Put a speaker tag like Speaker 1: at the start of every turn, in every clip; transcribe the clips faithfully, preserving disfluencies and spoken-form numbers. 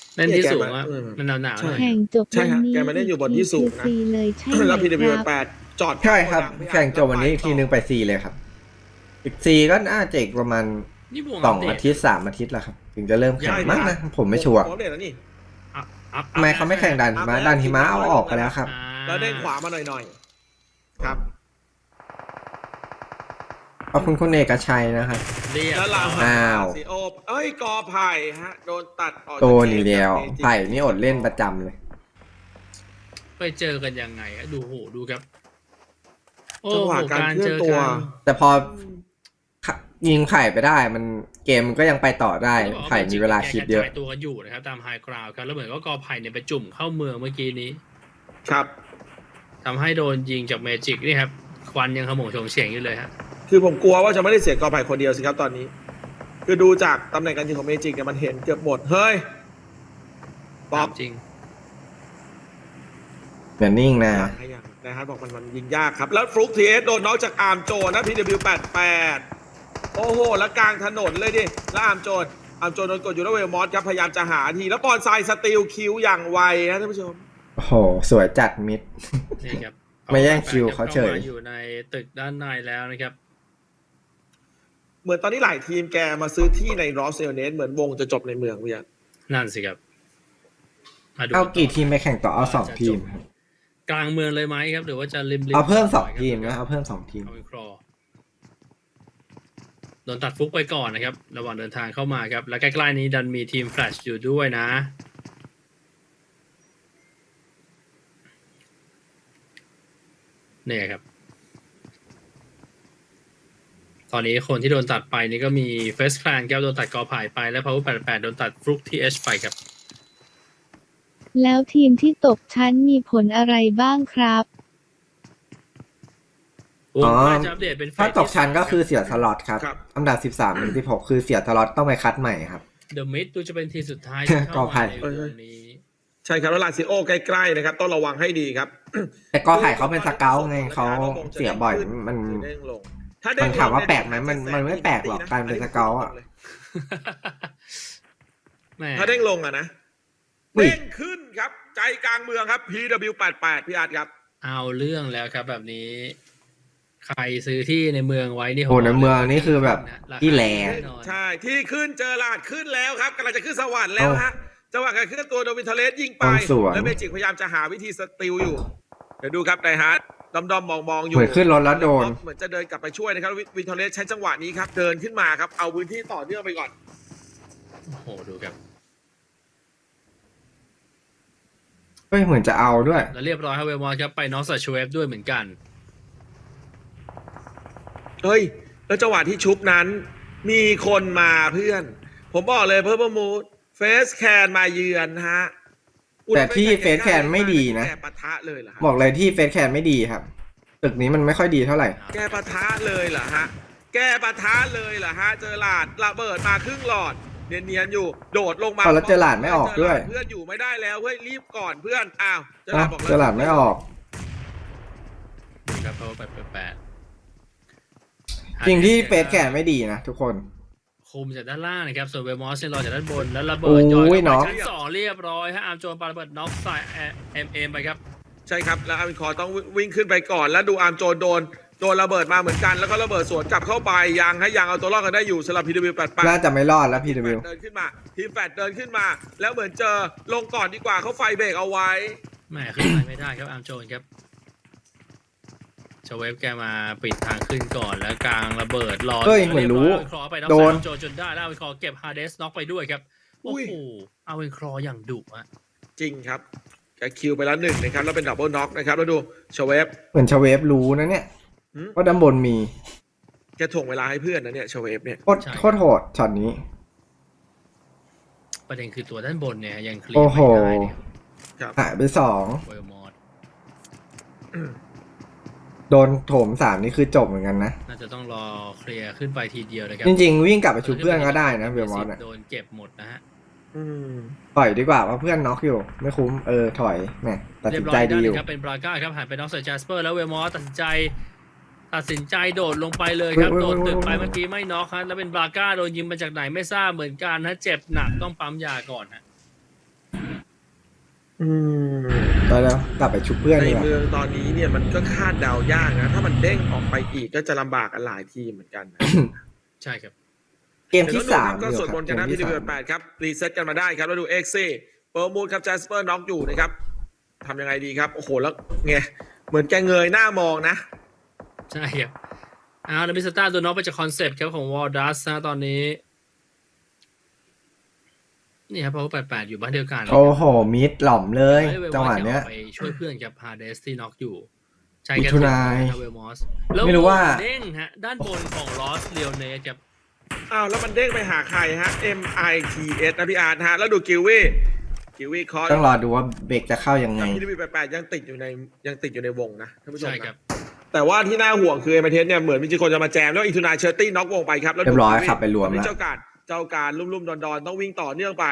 Speaker 1: เล่นที่สูงอ่ะมันหนาวๆหน่อย
Speaker 2: แข่งจบ
Speaker 3: ใช่
Speaker 2: วัน
Speaker 3: ฮะ
Speaker 2: นี้
Speaker 3: แกมาเล่นอยู่บนที่สูงนะ
Speaker 2: ฟรีเลยใช่ไหม
Speaker 3: แล้ว พี ดับเบิลยู
Speaker 2: ครับ
Speaker 3: แปดจอด
Speaker 4: ใช่ครับ
Speaker 3: พี่อา
Speaker 4: แข่งจบวันนี้อีกทีนึงไปซีเลยครับ อีกซีก็น่าจะอีกประมาณ
Speaker 1: นี่วง
Speaker 4: สอง
Speaker 1: เด
Speaker 4: อาทิตย์สามอาทิตย์แล้วครับ ถึงจะเริ่มแข่งมั้งนะผมไม่ชัวร์
Speaker 3: ผมเด่นแล้วนี่
Speaker 1: อัพอัพ
Speaker 4: ทำไมเขาไม่แข่งดันหิมะดันหิมะเอาออกไปแล้วครับ
Speaker 1: อ่า
Speaker 3: แล้วเด้งขวามาหน่อยๆครับ
Speaker 4: ขอบคุณคุณเอกชัยนะครับ
Speaker 1: เรียบ
Speaker 3: แล้วเรา
Speaker 4: อ้าว
Speaker 3: ซีโอเอ้ยกอไผ่ฮะโดนตัดออกจาก
Speaker 4: โตนี่เดียวไผ่นี่อดเล่นประจำเลย
Speaker 1: ไปเจอกันยังไงอะดูโหดูครับโอ้
Speaker 3: จังหวะ
Speaker 1: โห
Speaker 3: การ
Speaker 1: การ
Speaker 3: เคลื่
Speaker 1: เจ
Speaker 3: อน
Speaker 1: อ
Speaker 3: ตัว
Speaker 1: กัน
Speaker 4: แต่พอยิงไผ่ไปได้มันเกมมันก็ยังไปต่อได้ไผ่มีเวลาคิดเยอะ
Speaker 1: แกกรจายตัวกันอยู่นะครับตามไฮกราวครับแล้วเหมือนก็กอไผ่เนี่ยไปจุ่มเข้าเมืองเมื่อกี้นี้
Speaker 3: ครับ
Speaker 1: ทำให้โดนยิงจากเมจิกนี่ครับควันยังขโมงโฉงเฉียงอยู่เลยฮะ
Speaker 3: คือผมกลัวว่าจะไม่ได้เสียกอไผ่คนเดียวสิครับตอนนี้ คือดูจากตำแหน่งการยิงของเมจิกเนี่ยมันเห็นเกือบหมดเฮ้ยป๊อป
Speaker 1: จริง
Speaker 4: อย่านิ่งนะ
Speaker 3: ให้ยังนะฮะบอกมันมันยิงยากครับ แล้วฟลุกทีเอสโดนน็อกจากอาร์มโจนนะ พี ดับเบิลยู แปดสิบแปด โอ้โห แล้วกลางถนนเลยดิ แล้วอาร์มโจนอาร์มโจนโดนกดอยู่แล้วเวลมอสครับ พยายามจะหาที แล้วบอลไซด์สตีลคิวอย่างไวนะท่านผู้ชม
Speaker 4: โอ้โห สวยจัดมิด
Speaker 1: นี่ครับ
Speaker 4: ไม่แย่งคิวเขาเฉย
Speaker 1: ข้มอยู่ในตึกด้านในแล้วนะครับ
Speaker 3: เหมือนตอนนี้หลายทีมแกมาซื้อที่ในรอสเซลเนสเหมือนวงจะจบในเมืองพี่ยัน
Speaker 1: นั่นสิครับมดู
Speaker 4: เอากี่
Speaker 1: ต่
Speaker 4: ทีมไปแข่งต่อเอาสองทีมครับ
Speaker 1: กลางเมืองเลยไหมครับ หรือว่าจะริมริม
Speaker 4: เอาเพิ่มสองทีมนะเอาเพิ่มสองทีม
Speaker 1: เอาเป็นครอโดนตัดฟุกไปก่อนนะครับ ระหว่างเดินทางเข้ามาครับ และใกล้ๆนี้ดันมีทีมแฟลชอยู่ด้วยนะเนี่ยครับ ตอนนี้คนที่โดนตัดไปนี่ก็มีเฟสแคลนครับโดนตัดกอไผ่ไปและพาวเวอร์แปดสิบแปดโดนตัดฟลุกทีเอชไปครับ
Speaker 2: แล้วทีมที่ตกชั้นมีผลอะไรบ้างครับ
Speaker 1: ว
Speaker 4: อ๋
Speaker 1: ง
Speaker 4: อ
Speaker 1: น่าจะอัปเดตเป็นเฟส
Speaker 4: ถ้าตกชั้นก็คือเสียสล็อตครับ
Speaker 3: ครับ
Speaker 4: อันดับสิบสามถึงสิบหกคือเสียสล็อตต้องไปคัดใหม่ครับ
Speaker 1: เดอะมิดดูจะเป็นทีมสุดท้ายที่
Speaker 4: ก
Speaker 1: เข้า
Speaker 4: อไผ่
Speaker 1: มาในวงนี้
Speaker 3: ใช่ครับ แล้วลาซิโอใกล้ๆนะครับ ต้องระวังให้ดีครับ
Speaker 4: แต่กอไผ่เขาเป็นสเกลไงเขาเสียบ่อยมัน
Speaker 3: เด้งลงถ้าเด้
Speaker 4: มั
Speaker 3: ง
Speaker 4: น
Speaker 3: ลง
Speaker 4: ถามว่า
Speaker 3: เย
Speaker 4: แปลกไหมมันมันไม่แปลกหรอกการเป็นสเกลอะ
Speaker 1: แหม่
Speaker 3: ถ้าเด้งลงอะนะ
Speaker 4: อุ้ย
Speaker 3: เด้งขึ้นครับ ใจกลางเมืองครับ พี ดับเบิลยู แปดสิบแปด พี่อาร์ตครับ
Speaker 1: เอาเรื่องแล้วครับแบบนี้ ใครซื้อที่ในเมืองไว้นี่
Speaker 4: โหในเมืองนี่คือแบบที่แล
Speaker 1: น่นอน
Speaker 3: ใช่ ที่ขึ้นเจอลาดขึ้นแล้วครับกำลังจะขึ้นสวรรค์แล้วฮะจังหวะการขึ้นตัวโดวินเทเลสยิงไป
Speaker 4: ตรงสวน
Speaker 3: แล้วเมจิกพยายามจะหาวิธีสติลอยู่ เดี๋ยวดูครับไดฮาร์ดดอมดอมมองมองๆอยู่
Speaker 4: เหมือนขึ้นรถแล้วโดน
Speaker 3: เหมือนจะเดินกลับไปช่วยนะครับวิวินเทเลสใช้จังหวะนี้ครับเดินขึ้นมาครับเอาพื้นที่ต่อเนื่องไปก่อน
Speaker 1: โอ้โหดูครับ
Speaker 4: เฮ้ยเหมือนจะเอาด้วย
Speaker 1: แล้วเรียบร้อยครับเวลมอสครับไปน็อกสัชเวฟด้วยเหมือนกัน
Speaker 3: เฮ้ย แล้วจังหวะที่ชุบนั้น มีคนมาเพื่อน ผมบอกเลยเพิ่มมูดเฟสแคนมาเยือนฮะ
Speaker 4: แต่ที่เฟสแคนไม่ดีนะ
Speaker 3: แกปะทะเลยเหรอฮะ
Speaker 4: บอกเลยที่เฟสแคนไม่ดีครับ ตึกนี้มันไม่ค่อยดีเท่าไหร่
Speaker 3: แกปะทะเลยเหรอฮะ แกปะทะเลยเหรอฮะ เจอหลาดระเบิดมาครึ่งหลอด เนียนๆอยู่ โดดลงมา
Speaker 4: เอาแล้วเจอหลาดไม่ออกด้วย
Speaker 3: เพื่อนอยู่ไม่ได้แล้วเฮ้ยรีบก่อนเพื่อนอ้าวเจอห
Speaker 4: อ่ะ
Speaker 3: ลาดบอก
Speaker 4: เจอหลาดไม่ออก
Speaker 1: ครับเพราะว่าแปดแปด
Speaker 4: จริงที่เฟสแคนไม่ดีนะทุกคน
Speaker 1: คุมจากด้านล่างนะครับส่วนเวลมอสเนี่ยรอจากด้านบนแล้วระ
Speaker 4: โอ้
Speaker 1: เบิด
Speaker 4: ย
Speaker 1: ย้อย
Speaker 4: น็
Speaker 1: เข้า
Speaker 4: อก
Speaker 1: ไปชั้นสองเรียบร้อยฮะอาร์มโจนปาระเบิดน็อกใส่เอ็มเอ็มไปครับ
Speaker 3: ใช่ครับ แล้วอาร์มินคอร์ต้องวิ่งขึ้นไปก่อน แล้วดูอาร์มโจนโดนโดนระเบิดมาเหมือนกัน แล้วก็ระเบิดสวนกลับเข้าไปยังให้ยังเอาตัวรอดกันได้อยู่สำหรับ พี ดับเบิลยู แปดสิบแปด
Speaker 4: น่าจะไม่รอดแล้วพีด
Speaker 3: แฟดเดินขึ้นมาทีมแฟดเดินขึ้นมา แล้วเหมือนเจอลงก่อนดีกว่าเขาไฟเบรกเอาไว้
Speaker 1: แหมขึ้นไปไม่ได้ครับอาร์มโจนครับชเวฟแกมาปิดทางขึ้นก่อนแล้วกลางระเบิดรอ
Speaker 4: เฮ้ยเหมือนรู้
Speaker 1: คลอไปน็อก
Speaker 4: โด
Speaker 1: ใส่
Speaker 4: น
Speaker 1: อาร์มโจนจนได้แล้วอาร์มคลอเก็บฮาร์เดสน็อกไปด้วยครับโอ้
Speaker 3: อุ้ย
Speaker 1: โหอาร์เวนคลออย่างดุอะ
Speaker 3: จริงครับแกคิวไปแล้วหนึ่งนะครับ แล้วเป็นดับเบิลน็อกนะครับ แล้วดูชเวฟ
Speaker 4: เหมือนชเวฟรู้นะเนี่ย
Speaker 3: หืม
Speaker 4: ว่าด้านบนมี
Speaker 3: แกถ่วงเวลาให้เพื่อนนะเนี่ยชเวฟเนี่ย
Speaker 4: โคตรโคตรโหดช็อตนี้
Speaker 1: ประเด็นคือตัวด้านบนเนี่ยยังเคลีย
Speaker 4: โอ้
Speaker 1: ร์
Speaker 4: โห
Speaker 1: ไม่ได้เนี่ย
Speaker 3: ครับ
Speaker 4: หายไปสอง
Speaker 1: เวลมอส
Speaker 4: โดนโถมสามนี่คือจบเหมือนกันนะ
Speaker 1: น่าจะต้องรอเคลียร์ขึ้นไปทีเดียวนะครับ
Speaker 4: จริงๆ วิ่งกลับไปชุบเพื่อนก็ได้นะเบลมอสอะ
Speaker 1: โดนเก็บหมดนะฮะ
Speaker 3: อืม
Speaker 4: ถอยดีกว่าเพราะเพื่อนน็อกอยู่ ไม่คุ้มเออถอยแหมตัด
Speaker 1: เรี
Speaker 4: สิ
Speaker 1: ย
Speaker 4: น
Speaker 1: บร้อ
Speaker 4: ใจ
Speaker 1: ย
Speaker 4: ดี
Speaker 1: ได้
Speaker 4: อ
Speaker 1: เล
Speaker 4: ยู่
Speaker 1: ยครับเป็นบราก้าครับหันไปน็อกใส่จัสเปอร์แล้วเวลมอสตัดสินใจตัดสินใจโดดลงไปเลยครับ
Speaker 4: เว้ย
Speaker 1: โด
Speaker 4: เว้
Speaker 1: ด
Speaker 4: ย
Speaker 1: ตึกไป
Speaker 4: เว้ย
Speaker 1: เมื่อกี้ไม่น็อกครับแล้วเป็นบราก้าโดนยิงมาจากไหนไม่ทราบเหมือนกันนะเจ็บหนักต้องปั๊มยาก่อนฮะ
Speaker 3: อืม
Speaker 4: ตอนแล้วกลับไปชุบเพื่อน
Speaker 3: ใน
Speaker 4: ดีกว่า
Speaker 3: เมืองตอนนี้เนี่ยมันก็คาดเดายากนะ ถ้ามันเด้งออกไปอีกก็จะลำบากกันหลายทีมเหมือนกันนะ
Speaker 1: ใช่ครับ
Speaker 4: เกมที่สาม
Speaker 3: ก็
Speaker 4: ดี
Speaker 3: สวด
Speaker 4: ค
Speaker 3: ม
Speaker 4: รับ
Speaker 3: นต์
Speaker 4: เก
Speaker 3: กัน
Speaker 4: ม
Speaker 3: นะ
Speaker 4: ที่
Speaker 3: พี ดี
Speaker 4: สา
Speaker 3: บี
Speaker 4: ม
Speaker 3: แปดครับ รีเซ็ตกันมาได้ครับ แล้วดูเอ็กซี่เปิร์มูดครับแจสเปอร์น็อกอยู่นะครับทำยังไงดีครับ โอ้โห แล้วไงเหมือนแกเงยหน้ามองนะ
Speaker 1: ใช่ครับเอาแล้วมิสเตอร์โดนน็อกไปจากคอนเซปต์ครับของวอลดัสนะตอนนี้ นี่ครับเพราะว่าแปดแปดอยู่บ้านเดียวกัน
Speaker 4: โอ้โหมิดหล่อมเลย
Speaker 1: ไม่ได้
Speaker 4: จังหวะเนี้ย
Speaker 1: ออกไปช่วยเพื่อนกับฮาเดสที่น็อกอยู่ใช่
Speaker 4: มิ
Speaker 1: กัน
Speaker 4: ถุนาย
Speaker 1: เวลมอส
Speaker 4: ไม่รู้ว่า
Speaker 1: เด้งฮะ ด้านบนของลอสเรียวเนสครับ
Speaker 3: อ้าว แล้วมันเด้งไปหาใครฮะ เอ็ม ไอ ที เอส นะพี่อาร์ตฮะ แล้วดูกิววี่กิววี่คอร์
Speaker 4: ต้องรอดูว่าเบรกจะเข้ายังไง
Speaker 3: พีดีบีแปดแปดยังติดอยู่ในยังติดอยู่ในวงนะท่านผู้ชม
Speaker 1: ใช่
Speaker 3: นะครับ แต่ว่าที่น่าห่วงคือเอเมเทสเนี่ยเหมือนมีคนจะมาแจมแล้วอีทูนาเชอร์ตี้น็อกวงไปครับแล้วดู
Speaker 4: เรียบร้อย
Speaker 3: กิวี่
Speaker 4: ขับไปรวม
Speaker 3: ตอนนี้
Speaker 4: แล้ว
Speaker 3: เจ้าการเจ้าการลุ่มๆดอนๆต้องวิ่งต่อเนื่องไป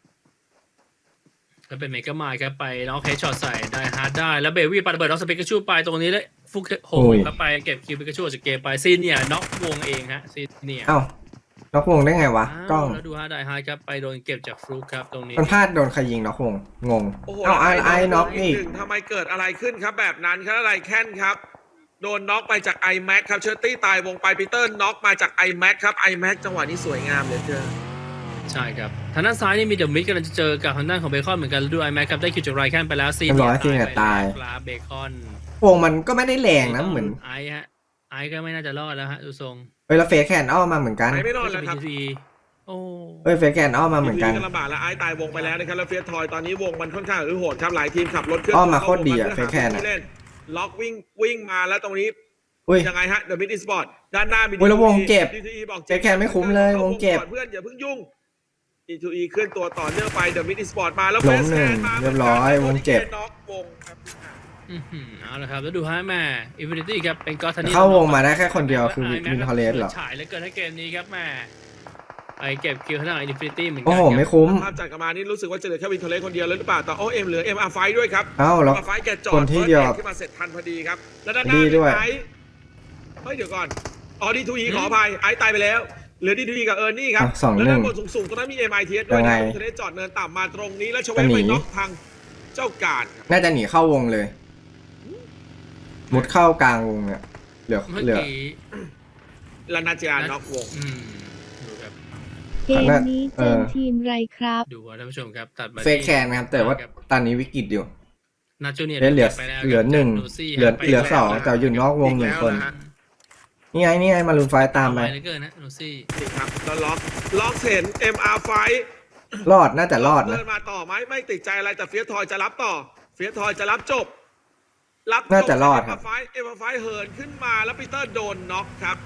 Speaker 1: แล้วเป็นเมกามายครับไปน็อกเฮดช็อตใส่ได้ฮาร์ดได้แล้วเบวี่ปาระเบิดน็อกสเปกาชูไปตรงนี้เลยฟุกโห
Speaker 4: โอ้ย
Speaker 1: แล้วไปเก็บคิวเปกาชูจากเกมไปซีเนียน็อกวงเองฮะซีเนีย
Speaker 4: เอ้าน็อกวงได้ไงวะกล้อง
Speaker 1: แล้วดูฮาร์ดได้ฮาร์ดครับไปโดนเก็บจากฟลุกครับตรงนี้
Speaker 4: มันพลาดโดนใครยิงน็อกวงงง
Speaker 3: โอ้โห
Speaker 4: เอ้าไอไอน็อกอีก
Speaker 3: หนึ่งทำไมเกิดอะไรขึ้นครับแบบนั้นครับอะไรแค้นครับ โดนน็อกไปจาก iMac ครับเชอร์ตี้ตายวงไปปีเตอร์น็อกมาจาก iMac ครับ iMac จังหวะนี้สวยงามเหลยเกิน
Speaker 1: ใช่ครับทางด้านซ้ายนี่มีเดอะมิดกำลังจะเจอกับทางด้านของเบคอนเหมือนกันแล้วดูไอแม็กครับได้คิวจากไรแคนไปแล้วซี
Speaker 4: เรียบร้อยซีเนียร์ตาย
Speaker 1: ปลาเบคอน
Speaker 4: วงมันก็ไม่ได้แรงนะเหมือน
Speaker 1: ไอฮะไอก็ไม่น่าจะรอดแล้วฮะดูทรง
Speaker 4: เอ้ยแล้วเฟสแคนอ้อมมาเหมือนกัน
Speaker 3: ไอ้ไม่รอดแล้วครับ
Speaker 1: ทีซีโอ้
Speaker 4: เอ้ยเฟสแคนอ้อมมาเหมือนกัน
Speaker 3: ทีก็ลำบากแล้วไอ้ตายวงไปแล้วนะครับแล้วเฟียสทอยตอนนี้วงมันค่อนข้างอือโหดครับหลายทีมขับรถเครื่อง
Speaker 4: อ้อมมาโคตรดีอะ
Speaker 3: ข้าวง
Speaker 4: เฟซแคนอะ
Speaker 3: เล่นล็อกวิ่งวิ่งมาแล้วตรงนี้
Speaker 4: อุ้ย
Speaker 3: ยังไงฮะเดอะมิดอิสปอร์ตด้านหน้ามี
Speaker 4: อุ๊ยแล้ววงเจ็บ
Speaker 3: ดี ที อี บอก
Speaker 4: เฟซแคนไม่คุ้มเลยวงเจ็บ
Speaker 3: ก่อนเพื่อนอย่าเพิ่งยุ่ง ดี ทู อี เคลื่อนตัวต่อเนื่องไปเดอะมิดอิสปอร์ตมาแล้ว
Speaker 4: ล้ม
Speaker 3: เฟซ
Speaker 4: หนึ่
Speaker 3: แค
Speaker 4: ง
Speaker 3: นมา
Speaker 4: เรียบร้อยวงเจ็บ
Speaker 3: น็อกวงครับ
Speaker 1: อื้อหือเอาละครับแล้วดูฮะแม่อินฟินิตี้ครับเป็นก็อตทันนี่
Speaker 4: เข้าวงมาได้แค่คนเดียวคือวินทอเลสเหรอ
Speaker 1: ฉายแล้วเกินให้เกมนี้ครับแม่ไปเก็บคิวทางด้านอินฟินิตี้เหมือนกั
Speaker 4: โอ้โห
Speaker 1: ครับ
Speaker 4: ไม่คุ้ม
Speaker 3: ภาพจัดกันมานี่รู้สึกว่าจะเหลือแค่วินเทอร์เลสคนเดียวเลยหรือเปล่าแต่โอเอ็มเหลือเอ็มอาร์ไฟด้วยครับ
Speaker 4: เอ้าแล้ว
Speaker 3: มาไฟแกจอด
Speaker 4: คนที่เดียว
Speaker 3: ฟิร์สเอ็ดขึ้นมาเสร็จทันพอดีครับ แล้วด้านหน้า
Speaker 4: ดีด้วย
Speaker 3: ไอซ์เฮ้ยเดี๋ยวก่อนอ๋อดีทูอีขออภัยไอซ์ตายไปแล้วเหลือดีทูอีกับเอิร์นนี่ครับ
Speaker 4: อ่ะสอง
Speaker 3: แล้ว
Speaker 4: หนึ่
Speaker 3: ด้าง นบนสูงๆตรงนั้นมีเอ็มไอทีเอสด้วย
Speaker 4: ยังไง
Speaker 3: นะทะเลจอดเนินต่ำมาตรงนี้แล้วชเว
Speaker 4: จะ
Speaker 3: ฟ
Speaker 4: หนี
Speaker 3: ไปน็อกทางเจ้าการครับ
Speaker 4: น่าจะหนีเข้าวงเลย มุดเข้ากลางวงเนี่ยเหลือ
Speaker 1: เมื่อ
Speaker 4: เหลือ
Speaker 1: กี้
Speaker 3: แล้วนาเจียน็อกวง
Speaker 1: อืมดูครับ
Speaker 2: เกมนี้เจอทีมไรครับ
Speaker 1: ดูว่าท่านผู้ชมครับตัดมา
Speaker 4: เฟกแคนนะครับแต่ว่าตอนนี้วิกฤตอยู่
Speaker 1: นาโจเนีย
Speaker 4: เหลือเหลือ
Speaker 1: ไปแล้ว
Speaker 4: เหลือหนึ่ง
Speaker 1: จากโซี่
Speaker 4: เหลือ
Speaker 1: ไป
Speaker 4: เหลือ
Speaker 1: แล้ว
Speaker 4: สอง
Speaker 1: นะ
Speaker 4: แต่อยู่นอกวงหนึ่งคน
Speaker 3: อีกแล้วะฮะ
Speaker 4: นี่ไงนี่ไงมารุนไฟตามไป
Speaker 1: เหลือเกินนะโนซี่
Speaker 3: นี่ครับแล้วล็อกล็อกเห็น เอ็ม อาร์ ไฟ
Speaker 4: รอดน่าจะรอดนะ
Speaker 3: เดินมาต่อไหมไม่ติดใจอะไรแต่เฟียสทอยจะรับต่อ เฟียสทอยจะรับจบ รับจบ
Speaker 4: น่าจะรอดครับ
Speaker 3: เอ็ม อาร์ ไฟ เอ็ม อาร์ ไฟ เหินขึ้นมาแล้วปีเตอร์โดนน็อกครับ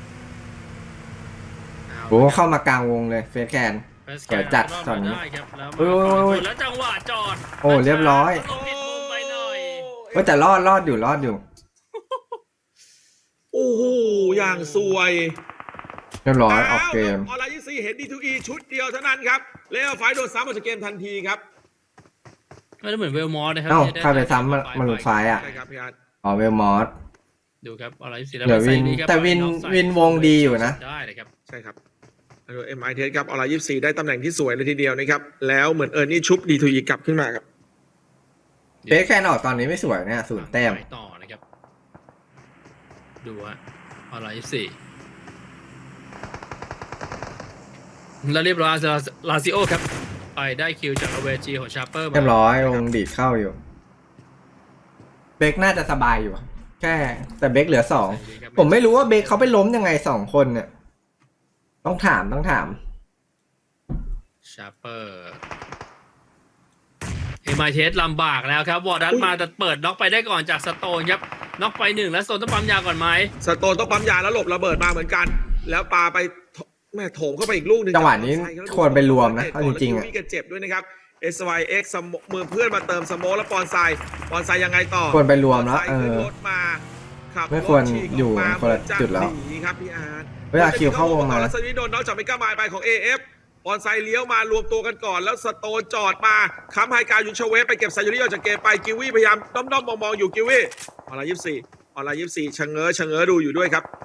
Speaker 4: โอ้เข้ามากลางวงเลยเฟสแคน เดี๋ยวจัดตอนนี้
Speaker 1: ได้ครับแล้ว
Speaker 4: โอ้ยโอ้ยโอ้ย
Speaker 1: แล้วจังหวะจอด
Speaker 4: โอ้เรียบร้อย
Speaker 1: ลงผิดมุมไปหน่อย
Speaker 4: ก็แต่รอดรอดอยู่รอดอยู่
Speaker 3: โอ้โหอย่างสวย
Speaker 4: เรียบร้อยออกเกม
Speaker 3: ออนไลน์ยี่สี่เห็น ดี ทู อี ชุดเดียวเท่านั้นครับเลเวอร์ไฟโดนซ้ำออกจากเกมทันทีครับ
Speaker 1: ไม่ได้เหมือนเวลมอสนะครั
Speaker 4: เอ้า
Speaker 1: ที่ด้
Speaker 4: ใครไปซ้ำมามารุนไฟอ่ะ
Speaker 3: ใช่ครับพี่อาร์ต
Speaker 4: อ๋อเวลมอส
Speaker 1: ดูครับออนไลน์ยี่สิบ
Speaker 4: เดี๋ยววินแต่วินวินวงดีอยู่นะ
Speaker 1: ได้เลยครับ
Speaker 3: ใช่ครับแล้วเอ็มไอเทสครับออนไลน์ยี่สี่ได้ตำแหน่งที่สวยเลยทีเดียวนะครับแล้วเหมือนเอิร์นนี่ชุบ ดี ทู อี กลับขึ้นมาครับ
Speaker 4: เฟสแคนออกตอนนี้ไม่สวยเนี่ยศูนย์แต้ม
Speaker 1: ไปต่อนะครับดูฮะออนไลน์ยี่สิบแล้วเรียบร้อยลาซิโอครับไปได้คิวจากอเวจีของชาร์เปอร์มา
Speaker 4: เรียบร้อยวงดีดเข้าอยู่เบคน่าจะสบายอยู่ครับแค่แต่เบคเหลือสองผมไม่รู้ว่าเบคเขาไปล้มยังไงสองคนเนี่ยต้องถามต้องถาม
Speaker 1: ชาร์เปอร์เอ็มไอเทสลำบากแล้วครับวอร์ดัสมาแต่เปิดน็อกไปได้ก่อนจากสโตนครับน็อกไปหนึ่งแล้วสโตนต้องปั๊มยาก่อนไหม
Speaker 3: สโตนต้องปั๊มยาแล้วหลบระเบิดมาเหมือนกัน แล้วปาไปแม่โถมเข้าไปอีกลูกหนึ่ง
Speaker 4: จังหวะนี้ควรไปรวมนะเอาจริงๆ
Speaker 3: อะ
Speaker 4: อะ
Speaker 3: ก็เจ็บด้วยนะครับ เอส วาย เอ็กซ์ สโมมือเพื่อนมาเติมสโมแล้วปอนไซปอนไซยังไงต่อ
Speaker 4: ควรไปรวมแล้ว
Speaker 3: ปอนไซ
Speaker 4: เอ
Speaker 3: ขึ้น
Speaker 4: อ
Speaker 3: รถมาขับ
Speaker 4: ไม่ควร
Speaker 3: ถฉีก
Speaker 4: อยู่
Speaker 3: กมา
Speaker 4: คนละจุดแล้ว
Speaker 3: เหมือนจะหนีครับพี่อาร์ต
Speaker 4: เวลาคิวเข้าวงมา
Speaker 3: แล้วสวีโดนน็อกจากเมกามายไปของ เอ เอฟ ปอนไซเลี้ยวมารวมตัวกันก่อนแล้วสโตนจอดมาค้ำไฮการยุนชเวฟไปเก็บไซยูริออกจากเกมไปกิวี่พยายามด้อมๆมองๆอยู่กิวี่ออนไลน์ยี่สิบสี่ออนไลน์ยี่สิบสี่ชะเง้อชะเง้อดูอยู่ด้วยครับ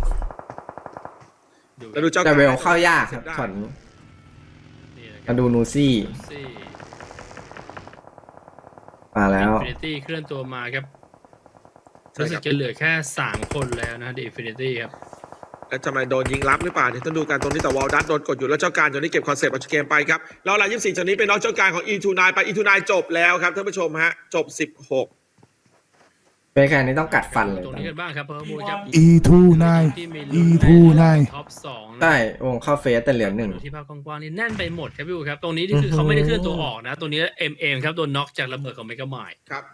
Speaker 3: แล้วดูเจ้า
Speaker 4: แต่เวลเข้ายากครับ
Speaker 3: ได้
Speaker 4: ช็อตนี้
Speaker 1: นี่นะครั
Speaker 4: มา
Speaker 1: บ
Speaker 4: ดูนูซี่
Speaker 1: ซี่
Speaker 4: มาแล้ว
Speaker 1: Infinity เคลื่อนตัวมาครับ
Speaker 3: ใช่
Speaker 1: รู้
Speaker 3: ค
Speaker 1: สึ
Speaker 3: รั
Speaker 1: ก
Speaker 3: บ
Speaker 1: จะเหลือแค่สามคนแล้วนะ The Infinity ครับ
Speaker 3: แล้วจะมาโดนยิงรับหรือเปล่าเดี๋ยวต้องดูกันตรงนี้แต่วอลดัตโดนกดอยู่แล้วเจ้าการจนนี้เก็บคอนเซปต์เอาเกมไปครับแล้วลายยี่สิบสี่จากนี้เป็นน้องเจ้าการของ อี ทู ไนน์ ไป อี ทู ไนน์ จบแล้วครับท่านผู้ชมฮะจบสิบหก
Speaker 4: เบคแคนนี้ต้องกัดฟันเลย
Speaker 1: ตรงนี้กันบ้างครับเพิ่มมูลครับ
Speaker 5: อี ทู ไนน์
Speaker 1: ที่มี
Speaker 5: อี ทู ไนน์
Speaker 1: ท็อปสองนะ
Speaker 4: ใช่วงเข้าเฟสแต่เหลือหนึ่ง
Speaker 1: ที่ภาพกว้างๆนี่แน่นไปหมดครับพี่อูครับตรงนี้นี่คือเขาไม่ได้เคลื่อนตัวออกนะตรงนี้ เอ็ม เอ็ม ครับโดนน็อกจากระเบิดของเมกะไมล์
Speaker 3: ครับ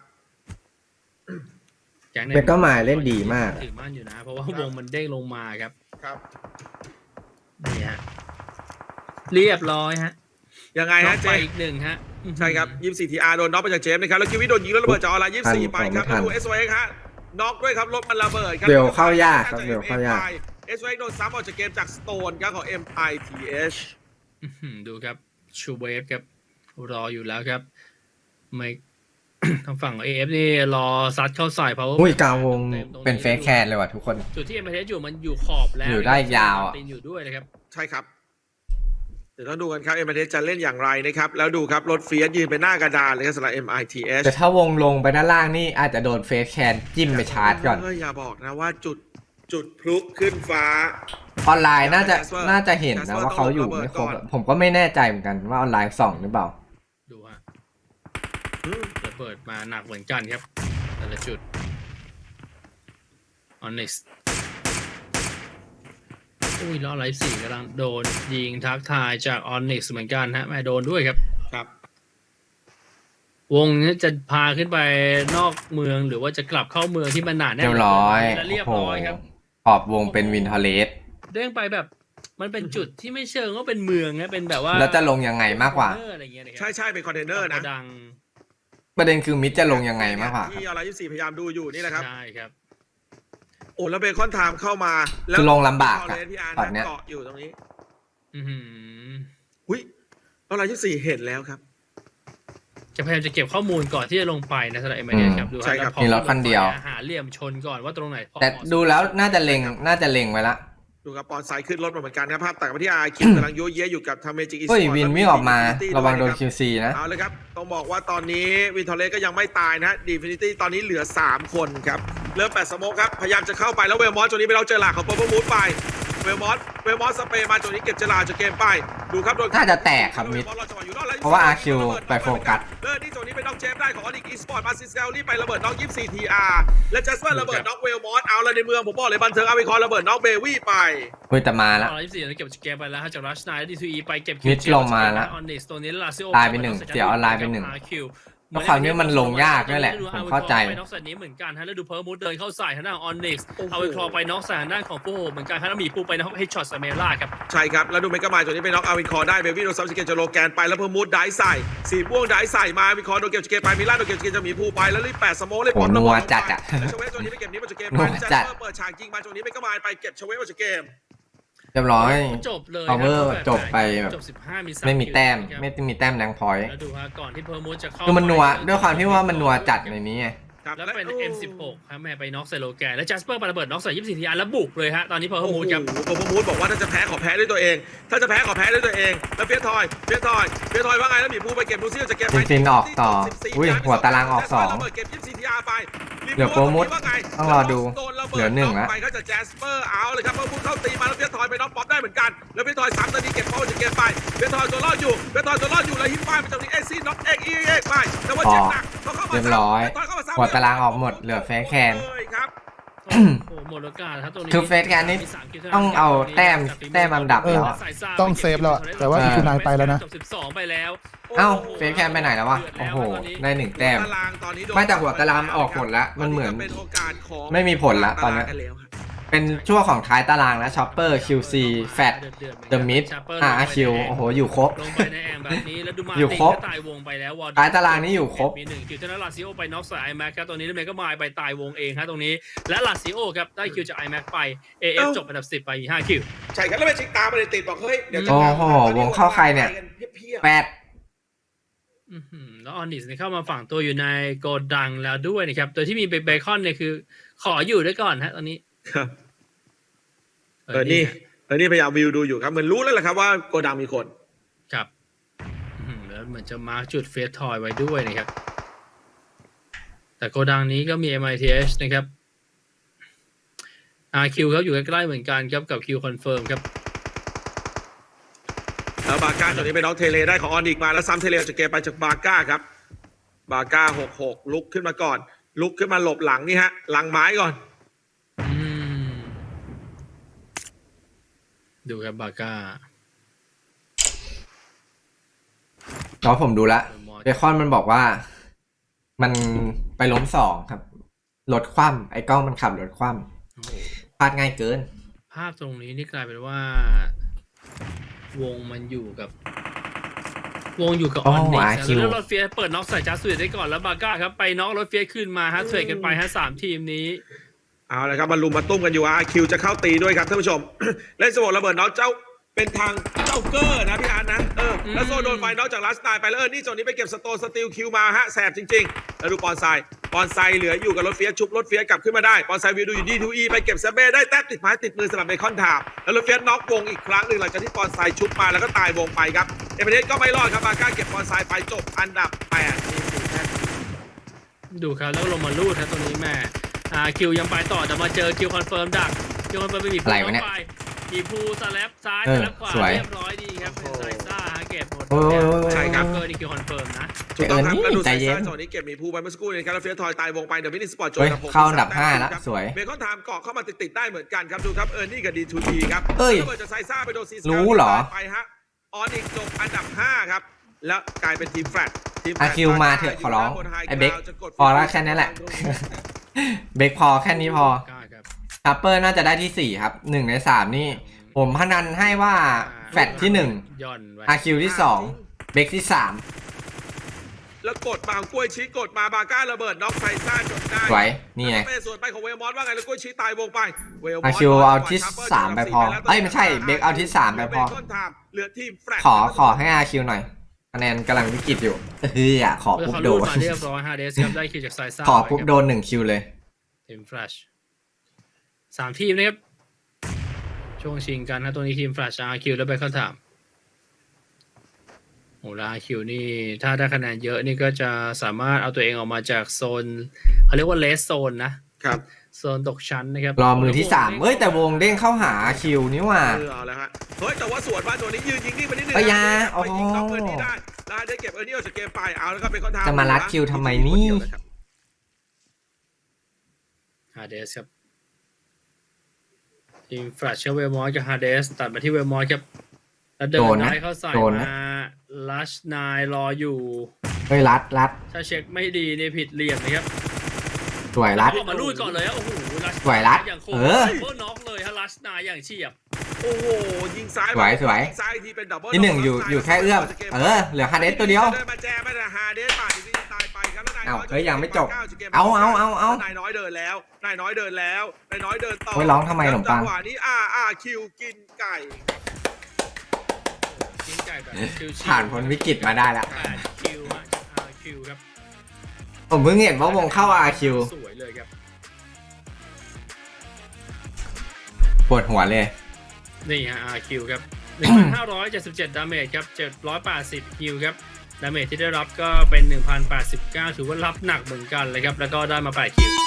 Speaker 1: แก๊ง
Speaker 4: เมกะไมล์เล่นดีมาก
Speaker 1: ถือมั่นอยู่นะ เพราะว่าวงมันเด้งลงมาครับ
Speaker 3: ครับ
Speaker 1: นี่ฮะเรียบร้อยฮะ
Speaker 3: ยังไง
Speaker 1: น็อ
Speaker 3: ฮะ
Speaker 1: ก
Speaker 3: เจ
Speaker 1: ไปอีกหนึ่งฮะ
Speaker 3: ใช่ครับ ยี่สิบสี่ ที อาร์ โดนน็อกไปจากเจมส์นะครับแล้วคิวิโดนยิงแล้วระเบิดจากออนไลน์ยี่สิบสี่
Speaker 4: ทัน
Speaker 3: ไปครับ
Speaker 4: ไม่ทัน
Speaker 3: ดู เอส โอ เอ็กซ์ ฮะน็อกด้วยครับรถมันระเบิดครับ
Speaker 4: เบลเข้ายากครับเบลเข้ายาก
Speaker 3: เอส โอ เอ็กซ์ โดนซ้ำออกจากเกมจากสโตนครับของ เอ็ม ไอ ที เอช
Speaker 1: อื้อหือดูครับชูเวฟครับรออยู่แล้วครับไม่ ทางฝั่ง เอ เอฟ นี่รอซัดเข้าใส่เพราะ
Speaker 4: อุ้ยกลางวงเป็นเฟสแคนเลยว่ะทุกคน
Speaker 1: จุดที่เอ็มเอสอยู่มันอยู่ขอบแล้ว
Speaker 4: อยู่ได้ยาวอะ
Speaker 1: ตีนอยู่ด้วยนะครับ
Speaker 3: ใช่ครับเดี๋ยวต้องดูกันครับ เอ็ม ไอ ที เอช จะเล่นอย่างไรนะครับแล้วดูครับรถเฟียสยืนไปหน้ากระดานเลยครับสำหรับ เอ็ม ไอ ที เอช
Speaker 4: แต่ถ้าวงลงไปด้านล่างนี่อาจจะโดนเฟสแคนจิ้มไปชาร์จก่อน
Speaker 3: เอย่าบอกนะว่าจุดจุดพลุขึ้นฟ้า
Speaker 4: ออนไลน์น่าจะ
Speaker 3: Jasper
Speaker 4: น่าจะเห็นนะ
Speaker 3: Jasper
Speaker 4: ว่าเขาอยู่
Speaker 3: ต้องระเบิด
Speaker 4: ไม่ครบ
Speaker 3: ก่อน
Speaker 4: ผมก็ไม่แน่ใจเหมือนกันว่าออนไลน์ส่องหรือเปล่า
Speaker 1: ดูฮะ
Speaker 3: อืม
Speaker 1: ระเบิดมาหนักเหมือนกันครับแต่ละจุด Onyx อุ้ยล้อไลฟ์สี่กำลังโดนยิงทักทายจาก Onyx เหมือนกันฮะแม่โดนด้วยครับ
Speaker 3: ครับ
Speaker 1: วงนี้จะพาขึ้นไปนอกเมืองหรือว่าจะกลับเข้าเมืองที่มันหนาแน่น
Speaker 4: เรียบร้อย
Speaker 1: และเรียบ
Speaker 4: โอ้โห
Speaker 1: ร้อยครับ
Speaker 4: ขอบวงเป็นวินเทอร์เลส
Speaker 1: เด้งไปแบบมันเป็นจุดที่ไม่เชิงว่าเป็นเมืองนะเป็นแบบว่า
Speaker 4: แล้วจะลงยังไงมากกว่า
Speaker 1: คอนเทนเนอร์อะไรเงี้ยนะครั
Speaker 3: ใช่ใช่เป็นคอนเทนเนอร์นะ
Speaker 1: ดัง
Speaker 4: ประเด็นคือมิดจะลงยังไงมากกว่า
Speaker 3: ที่อะไรยี่สิบสี่พยายามดูอยู่นี่แหละครับ
Speaker 1: ใช่ครับ
Speaker 3: โอ้แล้วเบคอนไทม์เข้ามาแล้ว
Speaker 4: คือลงลำบากอะ
Speaker 3: เพี่อาร์
Speaker 4: ตอนเนี้ย
Speaker 3: เกาะอยู่ตรงนี้
Speaker 1: อือหือ
Speaker 3: หุ้ยแล้วอะไรยี่สิบสี่เห็นแล้วครับ
Speaker 1: จะพยายามจะเก็บข้อมูลก่อนที่จะลงไปนะสำหรับเอ็มไอเดียครับดู
Speaker 3: ใช่ครับ
Speaker 1: แล้วพอ
Speaker 4: มีรถคันเดียว
Speaker 1: หาเหลี่ยมชนก่อนว่าตรงไหนพอ
Speaker 4: แต่
Speaker 1: เหมาะสม
Speaker 4: ดูแล้วน่าจะเล็งน่าจะเล็งไว้ละ
Speaker 3: ดูครับปอนไซด์ขึ้นรถมาเหมือนกันนะภาพตัดมาที่อาร์คิวกำลังโยเยะอยู่กับทางเมจิกอีสป
Speaker 4: เฮ้
Speaker 3: อย ร์ต
Speaker 4: วินวิ่งออกมาระวังโดน คิว ซี นะ
Speaker 3: เอาเลยครับต้องบอกว่าตอนนี้วินทอร์เลสก็ยังไม่ตายนะดีฟินิตี้ตอนนี้เหลือสามคนครับเริ่มแปดสโมกครับพยายามจะเข้าไปแล้วเวลมอสตัวนี้ไปเราเจอหลักของเปอร์เพิลมูดไปเวลมอสเวลมอสสเปรย์มาตัวนี้เก็บเจลาจากเกมไปดูครับโดน
Speaker 4: น่าจะแตกครับมิด เพราะว่า อาร์ คิว ไปโฟกัส
Speaker 3: เลิศที่ตัวนี้เป็นน้องเจมส์ได้ของอลิกอีสปอร์ตมาซิสเซลลี่ไประเบิดน้องยี่สิบสี่ ที อาร์ และจัสเปอร์ระเบิดน้องเวลมอสเอาละในเมืองผมบอกเลยบันเทิงอาวิคอนระเบิดน้องเบวี่ไป
Speaker 4: เฮ้ยแต่มาละ
Speaker 1: ตอนที่สี่เก็บเกมไปแล้วฮะจากรัชไนและดีทูอีไปเก็บ
Speaker 4: มิดลงมาแล้ว
Speaker 1: ออนนิสตัวนี้ลาซิโอ
Speaker 4: ตายไปหนึ่งเสียออนไลน์ไปหนึ่ง เพราะคราวนี้มันลงยากด้วยแหละผมเข้าใจ
Speaker 1: ไปน็อกใส่นี้เหมือนกันฮะแล้วดูเพิร์มูดเดินเข้าใส่ทางด้านออนนิส
Speaker 3: โอ้โห
Speaker 1: เอาไปคลอไปน็อกใส่ทางด้านของปูเหมือนกันฮะแล้วมีปูไปน็อกให้ช็อตสเมล่าครับ
Speaker 3: ใช่ครับ แล้วดูเมกะมายตัวนี้เป็นน็อกอาวินคอร์ได้เบวี่โดนซับสเกตจะโลแกนไปแล้วเพิ่มมูดได้ใส่สีม่วงได้ใส่มาวินคอร์โดนเก็บสเกตไปมิลานโดนเก็บสเกตจะมีผู้ไปแล้วรีบแปดสโมกเลย
Speaker 4: โอ้
Speaker 3: ปอม
Speaker 4: นัว
Speaker 3: ระเบิ
Speaker 4: จัดอะ
Speaker 3: แล้วชเวฟตัวนี้ไปเก็บนี้มาจากเกม
Speaker 4: นั
Speaker 3: ไป
Speaker 4: ว
Speaker 3: แล้ว
Speaker 4: จั
Speaker 3: จั
Speaker 4: ด
Speaker 3: ดเปิดฉากยิงมาตัวนี้เมกะมายไปเก็บชเวฟมาจากเกม
Speaker 4: เรียบร้อย
Speaker 1: จบเลย
Speaker 4: Power
Speaker 1: ครับ
Speaker 4: จบไปแบบ
Speaker 1: จบสิบห้ามีสา
Speaker 4: ไม่มีแต้ม
Speaker 1: คิว
Speaker 4: ไม่มีแต้มแรงพอยต์
Speaker 1: แล้วดูฮะก่อนที่เพิร์มูดจะเข้า
Speaker 4: คือมันนัว
Speaker 1: ไป
Speaker 4: ด้วยความที่ว่ามันนัวจัดในนี้ไง
Speaker 3: ครับ
Speaker 1: แล้วเป็น
Speaker 3: โอ้
Speaker 1: เอ็ม สิบหก ครับแม่ไปน็อกใส่โลแกนแล้วจัสเปอร์ไประเบิดน็อกใส่ยี่สิบสี่ ที อาร์ แล้วบุกเลยฮะตอนนี้เพิร์
Speaker 3: โอ้โห
Speaker 1: มูดครับ
Speaker 3: ผมพูดบอกว่าถ้าจะแพ้ขอแพ้ด้วยตัวเอง ถ้าจะแพ้ขอแพ้ด้วยตัวเอง แล้วเฟียสทอยเฟียสทอยเฟียสทอยว่าไงแล้วหมีภูไปเก็บดูซิว่าจะเก็บไหม
Speaker 4: ฟินๆออกต่ออุ้ยหัวตารางออกสอง
Speaker 3: ระเบิดเก็บยี่สิบสี่ ที อาร์ ไป
Speaker 4: เหลือโปรโมท
Speaker 3: ว่าไง
Speaker 4: ต้องรอดู
Speaker 3: โนระบิด
Speaker 4: เหลือหนึ่งละ
Speaker 3: ไปก็จะแจสเปอร์เอาเลยครับเพิ่มพูดเข้าตีมาแล้วเฟียสทอยไปน็อกป๊อปได้เหมือนกันแล้วเฟียสทอยสามตอนนี้เก็บเป้าจะเก็บไปเฟียสทอยตัวรอดอยู่เฟียสทอยตัวรอดอยู่แล้วฮิปป้ายมันจะมีเอซี่น็อกเอ็กอีเอ็กไปแต่ว่าเจ็บหนักเขาเข้ามา
Speaker 4: เรียบร้อย
Speaker 3: เฟีสทเข้มซ้ำ
Speaker 4: หัวตารางออกหมดเหลือเฟสแคน
Speaker 3: เลยครับ
Speaker 1: โอ้โหหมดโอกาสครับตรงนี้
Speaker 4: คือเฟสแคนนี่
Speaker 1: มีสามคิวท่นั้น
Speaker 4: ต้องเอาแต้มแต้มอันดับ
Speaker 5: เออ
Speaker 4: แล้วอะ
Speaker 5: ต้องเซฟแล้วอะแต่ว่า
Speaker 4: เออ
Speaker 5: อีทูไนน์ไปแล้วนะ
Speaker 1: จบสิบสองไปแล้ว
Speaker 4: เอ้าเฟสแคนไปไหนแล้ววะโอ้โหได้หนึ่งแต้ม
Speaker 3: หัวตารางตอนนี้โดน
Speaker 4: ไม่แต่หัวตารางออกหมดแล้วมันเหมือน
Speaker 3: ป็โอกาสของ
Speaker 4: ไม่มีผลละตอนเนี้ย
Speaker 3: ตารางกัแล้วครับ
Speaker 4: เป็นช่วงของท้ายตารางแล้วช็อปเปอร์ คิว ซี แฟต เดอะมิด อาร์ คิว โอ้โห อยู่ครบ
Speaker 1: ลงไปในแอมแบบนี้แล้วดูมา
Speaker 4: อยู่ครบ
Speaker 1: ตายวงไปแล้ววอร์ด
Speaker 4: ท้ายตารางนี้อยู่ครบ
Speaker 1: มีหนึ่งคิวจากนั้นลาซิโอไปน็อกใส่ไอแม็กครับตรงนี้แล้วเมก็มายไปตายวงเองครับตรงนี้และลาซิโอครับได้คิวจากไอแม็กไป เอ เอฟ จบอันดับสิบไปห้าคิว
Speaker 3: ใช่ครับแล้วเป็นชิงตามมาเลยติดบอกเฮ้ยเดี๋ยวจะ
Speaker 4: โอ้โหวงเข้าใครเนี่ย
Speaker 3: เพี้ย
Speaker 4: แปด
Speaker 1: อื้อหือแล้วออนิสเนี่ยเข้ามาฝังตัวอยู่ในโกดังแล้วด้วยนะครับโดยที่มีเบคอนเนี่ยคือขออยู่ด้วยก่อนฮะตอนนี้
Speaker 3: ๆครับเออนี่เออนี่พยายามวิวดูอยู่ครับเหมือนรู้แล้วแหละครับว่าโกดังมีคน
Speaker 1: ครับอื้อหือแล้วเหมือนจะมาร์กจุดเฟสทอยไว้ด้วยนะครับแต่โกดังนี้ก็มี เอ็ม ไอ ที เอช นะครับ อาร์ คิว ครับอยู่ใกล้ๆเหมือนกันครับกับ Q Confirm ครับ
Speaker 3: แล้วบาก้าตัวนี้เป็นน้องเทเลได้ของออนิกมาแล้วซ้ำเทเลจากเกมไปจากบาก้าครับบาก้าหกหกลุกขึ้นมาก่อน ลุกขึ้นมาหลบหลังนี่ฮะหลังไม้ก่อน
Speaker 1: อืม ดูครับบาก้า
Speaker 4: เนาะผมดูละเบคอนมันบอกว่า มันไปล้มสองครับรถคว่ำไอ้กล้องมันขับรถคว่ำพลาดง่ายเกิน
Speaker 1: ภาพตรงนี้นี่กลายเป็นว่า วงมันอยู่กับ วงอยู่กับอ
Speaker 4: อ๋
Speaker 1: อ
Speaker 4: อน
Speaker 1: นิก
Speaker 4: อาร์ คิว
Speaker 1: แล้วรถเฟียสเปิดน็อกใส่จัสติสได้ก่อนแล้วบาก้าครับไปน็อกรถเฟียสขึ้นมาฮะเทรดกันไปฮะสามทีมนี้
Speaker 3: เอาละครับมาลุมมาตุ้มกันอยู่อาร์คิวจะเข้าตีด้วยครับท่านผู้ชม เล่นสโมกระเบิดน้องเจ้าเป็นทางเจ้าเกอร์นะพี่อาร์ตนะเออแล้วโซโดนไฟนอกจากลัสไนไปแล้วเออนี่โซนนี้ไปเก็บสโตนสติลคิวมาฮะแสบจริงๆแล้วดูปอนไซปอนไซเหลืออยู่กับรถเฟียสชุบรถเฟียสกลับขึ้นมาได้ปอนไซวิวดูอยู่ดีทูอีไปเก็บเซเบ้ได้แต้มติดไม้ติดมือสำหรับเบคอนทามแล้วรถเฟียสน็อกวงอีกครั้งหนึ่งหลังจากที่ปอนไซชุบมาแล้วก็ตายวงไปครับเอเมเดสก็ไม่รอดครับบาก้าเก็บปอนไซไปจบอันดับแปดทีมสี่แต้ม
Speaker 1: ดูครับแล้วลงมาลูดครับตรงนี้แม่อาร์ คิว ยังไปต่อแต่มาเจอ Q Confirm ดัก Q Confirm ไปมี
Speaker 4: อะไรวะเนี่ย
Speaker 1: ไปมีภูสแลปซ้าย
Speaker 4: เอ
Speaker 1: ส
Speaker 4: อ
Speaker 1: แลปขวา
Speaker 4: สวย
Speaker 1: เรียบร้อยดีครับเป็นไซซ่าฮะเก็บหมด
Speaker 4: โอ้ย
Speaker 3: ใช่ครับ
Speaker 1: เกอร์นี่ Q Confirm นะ
Speaker 3: ถูกต้องครับ
Speaker 4: เออนี่
Speaker 3: แล้วดู
Speaker 4: ใจ
Speaker 3: ไซ
Speaker 4: เย็น
Speaker 3: ซ่าจังหวะนี้เก็บหมีภูไปเมื่อสักครู่นี้ครับแล้วเฟียสทอยตายวงไปเดี๋ยวมินิสปอร์ตโจ
Speaker 4: เฮ้ย
Speaker 3: กับผม
Speaker 4: เข้าอันดับห้าละ
Speaker 3: ครับ
Speaker 4: สวย
Speaker 3: เบคอนไทม์เกาะเข้ามาติดๆได้เหมือนกันครับดูครับเออร์นี่กับดีทูดีครับ
Speaker 4: เอ้ย
Speaker 3: แล้วเบิดจากไซซ่าไปโดนซีส
Speaker 4: รู้เหรอ
Speaker 3: ไปฮะออนอีกจบอันดับห้าครับแล้วกลายเป็นทีมแฟลตทีมแฟล
Speaker 4: อา
Speaker 3: ต
Speaker 4: ร์ คิว มาเถอะขอร้องไอ้เบคพอแล้วแค่นั้นแหละ เบคพอแค่นี้พอ
Speaker 1: ก้าครับ
Speaker 4: ทัปเปอร์น่าจะได้ที่สี่ครับหนึ่งในสามนี่ ผมพนันให้ว่าแฟตที่หนึ่ง
Speaker 1: ย่อนไว้
Speaker 4: อาร์ คิว ที่สองเบคที่สาม
Speaker 3: แล้วกดบางกล้วยชี้กดมาบาก้าระเบิดน็อกไซซ่าจนได้
Speaker 4: สวยนี่ไง
Speaker 3: แล้วเป็นส่วนไปของเวลมอสว่าไงแล้วกล้วยชี้ตายวงไปเวลมอ
Speaker 4: อา
Speaker 3: ส
Speaker 4: ร์ คิว เอาที่สามไปพอเอ้ยไม่ใช่เบคเอาที่สามไปพอ
Speaker 3: เบคอนไทม์เหลือทีมแฟลต
Speaker 4: ขอขอให้ อาร์ คิว หน่อยคะแนนกำลังวิกฤตอยู่เฮ้ยอ่ะขอ
Speaker 1: เมื่อ
Speaker 4: ปุ๊บ
Speaker 1: เขา
Speaker 4: โด
Speaker 1: ลูด
Speaker 4: น
Speaker 1: มาเรียบร้อยฮาเดสครับได้คิวจากไซซ่า
Speaker 4: ขอปุ๊บโดนหนึ่งคิวเลย
Speaker 1: ทีมแฟลชสามทีมนะครับช่วงชิงกันนะตัวนี้ทีมแฟลช อาร์ คิว แล้วไปเข้าถามโอ้แล้ว อาร์ คิว นี่ถ้าได้คะแนนเยอะนี่ก็จะสามารถเอาตัวเองออกมาจากโซนเขาเรียกว่าเลสโซนนะครับ โซนตกชั้นนะครับ
Speaker 4: รอมือที่สามเอ้ยแต่วงเด้งเข้าหา อาร์ คิว นี่ว่า
Speaker 3: เออเอาแล้วฮะเฮ้ยแต่ว่าสวนมาตัวนี้ยืนยิงนิ่งไปนิดนึง
Speaker 4: เอ้ยอยา
Speaker 3: นะ
Speaker 4: โอ้
Speaker 3: ไป
Speaker 4: โห
Speaker 3: ยิงน็อกเออร์นี่ได้ได้ได้เก็บเออร์นี่ออกจากเกมไปเอาแล้วก็เป็นคอนทาม
Speaker 4: จะมารัดคิวทำไมนี่
Speaker 1: ฮาเดสครับทีมแฟลชเชลเวลมอสกับฮาเดสตัดมาที่เวลมอสครับแล้วเดิ
Speaker 4: โด
Speaker 1: น
Speaker 4: นนะ
Speaker 1: ได้เข้าใส่
Speaker 4: โดนนะ
Speaker 1: มาลัชนายรออยู่
Speaker 4: เฮ้ยรัดรัด
Speaker 1: ถ้าเช็คไม่ดีนี่ผิดเหลี่ยมนะครับ
Speaker 4: สวยรัด
Speaker 1: ออกมาลูดก่อนเลยอะโอ้โหลัช
Speaker 4: สวยรัด
Speaker 1: อย่างโคต
Speaker 4: เอ
Speaker 1: ร
Speaker 4: อ
Speaker 1: เบอร์น็อกเลยฮะลัชนายอย่างเฉียบ
Speaker 3: โอ้โหยิงซ้าย
Speaker 4: สวยสวย
Speaker 3: งซ้ายทีเป็นดับเบิล
Speaker 4: ที่หนึ่งอยู่อยู่แค่เอื้อมเออเหลือฮาเดสตัวเดียว
Speaker 3: เดินมาแจมมาแต่ฮาเดสป่าดที่ตายไปครับแล้วนายน้
Speaker 4: เอ้า
Speaker 3: อย
Speaker 4: เฮ้ยยังไม่จบ
Speaker 3: กม
Speaker 4: เอาเอาเอาเอา
Speaker 3: นายน้อยเดินแล้วนายน้อยเดินแล้วนายน้อยเดินต่อ
Speaker 4: เฮ้ยร้องทำไมขนมปัง
Speaker 3: จังหวะนี้อาอาคิวกินไก่
Speaker 1: ยิงไก่แบบชิวๆ
Speaker 4: ผ่านพ้นวิกฤตมาได้ละ
Speaker 1: แปดคิวฮะอาร์คิวครับ
Speaker 4: ผมเพิ่งเห็นว่าวงเข้า อาร์ คิว
Speaker 1: สวยเลยครับ
Speaker 4: ปวดหัวเลย
Speaker 1: นี่ฮะ อาร์ คิว ครับ หนึ่งพันห้าร้อยเจ็ดสิบเจ็ด ดาเมจครับ เจ็ดร้อยแปดสิบฮิลครับ ดาเมจที่ได้รับก็เป็น หนึ่งพันแปดสิบเก้า ถือว่ารับหนักเหมือนกันเลยครับ แล้วก็ได้มาแปดคิว